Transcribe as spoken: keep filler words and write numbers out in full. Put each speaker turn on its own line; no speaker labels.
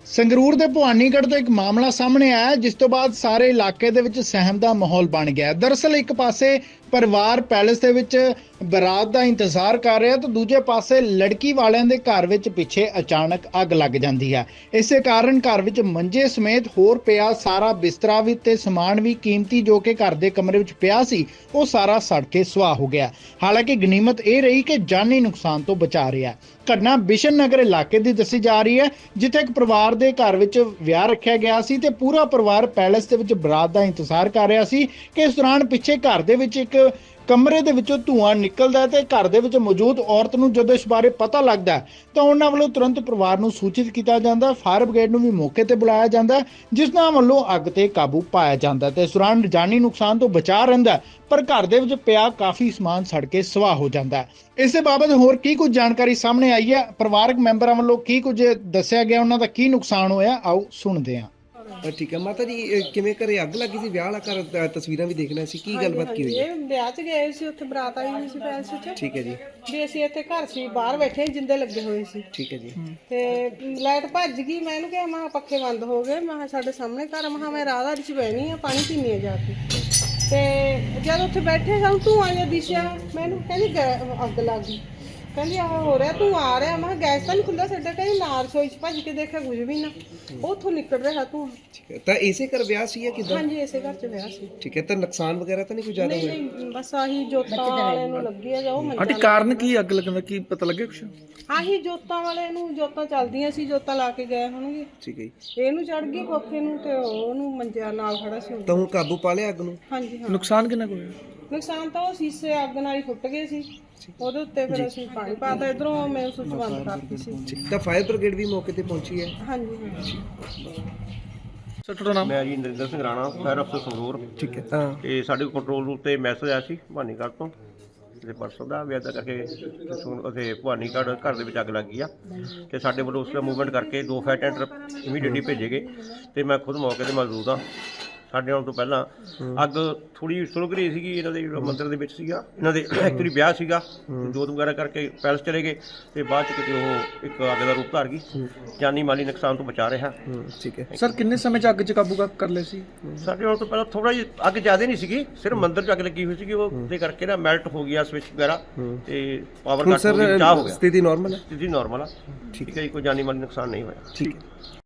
ਸੰਗਰੂਰ ਦੇ ਭਵਾਨੀਗੜ੍ਹ ਤੋਂ ਇੱਕ ਮਾਮਲਾ ਸਾਹਮਣੇ ਆਇਆ ਜਿਸ ਤੋਂ ਬਾਅਦ ਸਾਰੇ ਇਲਾਕੇ ਦੇ ਵਿੱਚ ਸਹਿਮ ਦਾ ਮਾਹੌਲ ਬਣ ਗਿਆ। ਦਰਅਸਲ ਇੱਕ ਪਾਸੇ ਪਰਿਵਾਰ ਪੈਲੇਸ ਦੇ ਵਿੱਚ ਬਰਾਤ ਦਾ ਇੰਤਜ਼ਾਰ ਕਰ ਰਿਹਾ ਤਾਂ ਦੂਜੇ ਪਾਸੇ ਲੜਕੀ ਵਾਲਿਆਂ ਦੇ ਘਰ ਵਿੱਚ ਪਿੱਛੇ ਅਚਾਨਕ ਅੱਗ ਲੱਗ ਜਾਂਦੀ ਹੈ। ਇਸੇ ਕਾਰਨ ਘਰ ਵਿੱਚ ਮੰਜੇ ਸਮੇਤ ਹੋਰ ਪਿਆ ਸਾਰਾ ਬਿਸਤਰਾ ਵੀ ਤੇ ਸਮਾਨ ਵੀ ਕੀਮਤੀ ਜੋ ਕਿ ਘਰ ਦੇ ਕਮਰੇ ਵਿੱਚ ਪਿਆ ਸੀ ਉਹ ਸਾਰਾ ਸੜ ਕੇ ਸੁਆਹ ਹੋ ਗਿਆ। ਹਾਲਾਂਕਿ ਗਨੀਮਤ ਇਹ ਰਹੀ ਕਿ ਜਾਨੀ ਨੁਕਸਾਨ ਤੋਂ ਬਚਾ ਰਿਹਾ। ਘਟਨਾ ਬਿਸ਼ਨ ਨਗਰ ਇਲਾਕੇ ਦੀ ਦੱਸੀ ਜਾ ਰਹੀ ਹੈ ਜਿੱਥੇ ਇੱਕ ਪਰਿਵਾਰ ਦੇ ਘਰ ਵਿੱਚ ਵਿਆਹ ਰੱਖਿਆ ਗਿਆ ਸੀ ਤੇ ਪੂਰਾ ਪਰਿਵਾਰ ਪੈਲੇਸ ਦੇ ਵਿੱਚ ਬਰਾਤ ਦਾ ਇੰਤਜ਼ਾਰ ਕਰ ਰਿਹਾ ਸੀ ਕਿ ਇਸ ਦੌਰਾਨ ਪਿੱਛੇ ਘਰ ਦੇ ਵਿੱਚ ਇੱਕ ਕਮਰੇ ਦੇ ਵਿੱਚੋਂ ਧੂਆਂ ਨਿਕਲਦਾ ਤੇ ਘਰ ਦੇ ਵਿੱਚ ਮੌਜੂਦ ਔਰਤ ਨੂੰ ਜਦੋਂ ਇਸ ਬਾਰੇ ਪਤਾ ਲੱਗਦਾ ਤਾਂ ਉਹਨਾਂ ਵੱਲੋਂ ਤੁਰੰਤ ਪਰਿਵਾਰ ਨੂੰ ਸੂਚਿਤ ਕੀਤਾ ਜਾਂਦਾ। ਫਾਇਰ ਬ੍ਰਿਗੇਡ ਨੂੰ ਵੀ ਮੌਕੇ ਤੇ ਬੁਲਾਇਆ ਜਾਂਦਾ ਜਿਸ ਨਾਲ ਵੱਲੋਂ ਅੱਗ ਤੇ ਕਾਬੂ ਪਾਇਆ ਜਾਂਦਾ ਤੇ ਇਸ ਦੌਰਾਨ ਜਾਨੀ ਨੁਕਸਾਨ ਤੋਂ ਬਚਾ ਰਹਿੰਦਾ ਪਰ ਘਰ ਦੇ ਵਿੱਚ ਪਿਆ ਕਾਫੀ ਸਮਾਨ ਸੜ ਕੇ ਸਵਾਹ ਹੋ ਜਾਂਦਾ। ਇਸੇ ਬਾਬਤ ਹੋਰ ਕੀ ਕੁਝ ਜਾਣਕਾਰੀ ਸਾਹਮਣੇ ਆਈ ਹੈ, ਪਰਿਵਾਰਕ ਮੈਂਬਰਾਂ ਵੱਲੋਂ ਕੀ ਕੁਝ ਦੱਸਿਆ ਗਿਆ, ਉਹਨਾਂ ਦਾ ਕੀ ਨੁਕਸਾਨ ਹੋਇਆ, ਆਓ ਸੁਣਦੇ ਹਾਂ।
ਠੀਕ ਹੈ ਮਾਤਾ ਜੀ, ਕਿਵੇਂ ਘਰੇ ਅੱਗ ਲੱਗੀ ਸੀ? ਵਿਆਹ ਵਾਲਾ ਘਰ, ਤਸਵੀਰਾਂ ਵੀ ਦੇਖ ਲਿਆ ਸੀ, ਕੀ ਗੱਲਬਾਤ ਕੀ ਹੋਈ?
ਇਹ ਵਿਆਹ 'ਚ ਗਏ ਸੀ, ਉੱਥੇ ਬਰਾਤ ਆਈ ਹੋਈ ਸੀ ਪੈਲਸ 'ਚ।
ਠੀਕ ਹੈ ਜੀ।
ਵੀ ਅਸੀਂ ਇੱਥੇ ਘਰ ਸੀ, ਬਾਹਰ ਬੈਠੇ ਜਿੰਦੇ ਲੱਗੇ ਹੋਏ ਸੀ।
ਠੀਕ ਹੈ ਜੀ।
ਤੇ ਲਾਈਟ ਭੱਜ ਗਈ, ਮੈਂ ਇਹਨੂੰ ਕਿਹਾ ਮੈਂ ਕਿਹਾ ਪੱਖੇ ਬੰਦ ਹੋ ਗਏ, ਮੈਂ ਕਿਹਾ ਸਾਡੇ ਸਾਹਮਣੇ ਘਰ, ਮੈਂ ਕਿਹਾ ਮੈਂ ਰਾਹ ਚ ਬਹਿਣੀ ਆ, ਪਾਣੀ ਪੀਣੀ ਆ ਜਾ ਕੇ। ਤੇ ਜਦ ਉੱਥੇ ਬੈਠੇ ਸਾਨੂੰ ਧੂੰਆਂ ਜਿਹਾ ਦਿਸਿਆ, ਮੈਨੂੰ ਕਹਿੰਦੀ ਗੈ- ਅੱਗ ਲੱਗ ਗਈ। ਕਹਿੰਦੀ ਆਹ ਹੋ ਰਿਹਾ, ਤੂੰ ਆ ਰਿਹਾ। ਮੈਂ ਕਿਹਾ ਗੈਸ ਤਾਂ ਨਹੀਂ ਖੁੱਲ੍ਹਾ ਸਾਡਾ। ਕਹਿੰਦੀ ਨਾਲ ਰਸੋਈ 'ਚ ਭੱਜ ਕੇ ਦੇਖਿਆ ਕੁਝ ਵੀ ਨਾ, ਉੱਥੋਂ ਨਿਕਲ ਰਿਹਾ ਤੂੰ।
ਠੀਕ ਹੈ, ਤਾਂ ਇਸੇ ਘਰ ਵਿਆਹ ਸੀ ਜਾਂ ਕਿਦਾਂ?
ਹਾਂਜੀ, ਇਸੇ ਘਰ 'ਚ ਵਿਆਹ ਸੀ।
ਠੀਕ ਹੈ, ਤਾਂ ਨੁਕਸਾਨ ਵਗੈਰਾ ਤਾਂ ਨਹੀਂ ਕੋਈ ਜ਼ਿਆਦਾ ਹੋਇਆ?
ਨਹੀਂ, ਬਸ ਆਹੀ ਜੋਤਾਂ ਵਾਲੇ ਨੂੰ ਲੱਗੀ ਆ, ਜਾਓ ਮੰਜਾ।
ਆਂਟੀ ਕਾਰਨ ਕੀ ਅੱਗ ਲੱਗਣ ਦਾ ਕੀ ਪਤਾ ਲੱਗਿਆ ਕੁਛ?
ਆਹੀ ਜੋਤਾਂ ਵਾਲੇ ਨੂੰ, ਜੋਤਾਂ ਚੱਲਦੀਆਂ ਸੀ, ਜੋਤਾਂ ਲਾ ਕੇ ਗਏ ਹੋਣਗੇ।
ਠੀਕ ਹੈ ਜੀ।
ਇਹਨੂੰ ਚੜ ਗਈ ਕੋਠੇ ਨੂੰ ਤੇ ਉਹਨੂੰ ਮੰਜਿਆ ਨਾਲ ਖੜਾ ਸੀ।
ਤਾਂ ਹੁਣ ਕਾਬੂ ਪਾ ਲਿਆ ਅੱਗ ਨੂੰ?
ਹਾਂਜੀ ਹਾਂ।
ਨੁਕਸਾਨ ਕਿੰਨਾ ਕੁ ਹੋਇਆ?
ਨੁਕਸਾਨ ਤਾਂ ਉਹ ਸ਼ੀਸ਼ੇ ਅੱਗ ਨਾਲ ਹੀ ਫੁੱਟ ਗਏ ਸੀ, ਉਹਦੇ ਉੱਤੇ ਫਿਰ ਅਸੀਂ ਪਾਣੀ ਪਾਤਾ, ਇਧਰੋਂ ਮੈਂ ਸੁੱਚ ਬੰਦ ਕਰਤੀ ਸੀ।
ਤਾਂ ਫਾਇਰ ਬ੍ਰਿਗੇਡ ਵੀ ਮੌਕੇ ਤੇ ਪਹੁੰਚੀ ਹੈ?
ਹਾਂਜੀ ਹਾਂ।
ਸਰ ਤੁਹਾਡਾ ਨਾਮ?
ਮੈਂ ਜੀ ਨਰਿੰਦਰ ਸਿੰਘ ਰਾਣਾ, ਫਾਇਰ ਅਫਸਰ ਸੰਗਰੂਰ।
ਠੀਕ ਹੈ। ਹਾਂ।
ਤੇ ਸਾਡੇ ਕੰਟਰੋਲ ਰੂਮ ਤੇ ਮੈਸੇਜ ਆਇਆ ਸੀ ਭਵਾਨੀਗੜ੍ਹ ਤੋਂ ਤੇ ਪਰਸੋਂ ਦਾ ਵੀ ਇੱਦਾਂ ਕਰਕੇ ਉੱਥੇ ਭਵਾਨੀਗੜ੍ਹ ਘਰ ਦੇ ਵਿੱਚ ਅੱਗ ਲੱਗ ਗਈ ਆ ਤੇ ਸਾਡੇ ਵੱਲੋਂ ਉਸ ਦਾ ਮੂਵਮੈਂਟ ਕਰਕੇ ਦੋ ਫਾਇਰ ਟੈਂਡਰ ਇਮੀਡੀਏਟਲੀ ਭੇਜੇ ਗਏ ਤੇ ਮੈਂ ਖੁਦ ਮੌਕੇ ਤੇ ਮੌਜੂਦ ਹਾਂ। ਸਾਡੇ ਆਉਣ ਤੋਂ ਪਹਿਲਾਂ ਅੱਗ ਥੋੜੀ ਸੁਲਗ ਰਹੀ ਸੀਗੀ, ਇਹਨਾਂ ਦੇ ਮੰਦਿਰ ਦੇ ਵਿੱਚ ਸੀਗਾ, ਇਹਨਾਂ ਦੇ ਐਕਚੁਅਲੀ ਵਿਆਹ ਸੀਗਾ, ਜੋਤ ਵਗੈਰਾ ਕਰਕੇ ਪੈਲਸ ਚਲੇ ਗਏ ਤੇ ਬਾਅਦ ਚ ਕਿਤੇ ਉਹ ਇੱਕ ਅੱਗ ਦਾ ਰੂਪ ਧਾਰ ਗਈ। ਜਾਨੀ ਮਾਲੀ ਨੁਕਸਾਨ ਤੋਂ ਬਚਾ ਰਿਹਾ।
ਠੀਕ ਹੈ
ਸਰ ਕਿੰਨੇ ਸਮੇਂ ਚ ਅੱਗ ਚ ਕਾਬੂ ਕਰ ਲਿਆ ਸੀ?
ਸਾਡੇ ਆਉਣ ਤੋਂ ਪਹਿਲਾਂ ਥੋੜਾ ਜਿਹਾ ਅੱਗ ਜ਼ਿਆਦਾ ਨਹੀਂ ਸੀਗੀ, ਸਿਰਫ ਮੰਦਿਰ ਚ ਅੱਗ ਲੱਗੀ ਹੋਈ ਸੀਗੀ, ਉਹ ਦੇ ਕਰਕੇ ਨਾ ਮੈਲਟ ਹੋ ਗਿਆ ਸਵਿਚ ਵਗੈਰਾ ਤੇ ਪਾਵਰ ਕੱਟ ਹੋ ਗਿਆ, ਚਾਹ ਹੋ ਗਿਆ।
ਸਥਿਤੀ ਨਾਰਮਲ ਹੈ?
ਸਥਿਤੀ ਨਾਰਮਲ ਆ। ਠੀਕ ਹੈ ਜੀ, ਕੋਈ ਜਾਨੀ ਮਾਲੀ ਨੁਕਸਾਨ ਨਹੀਂ ਹੋਇਆ।
ਠੀਕ ਹੈ।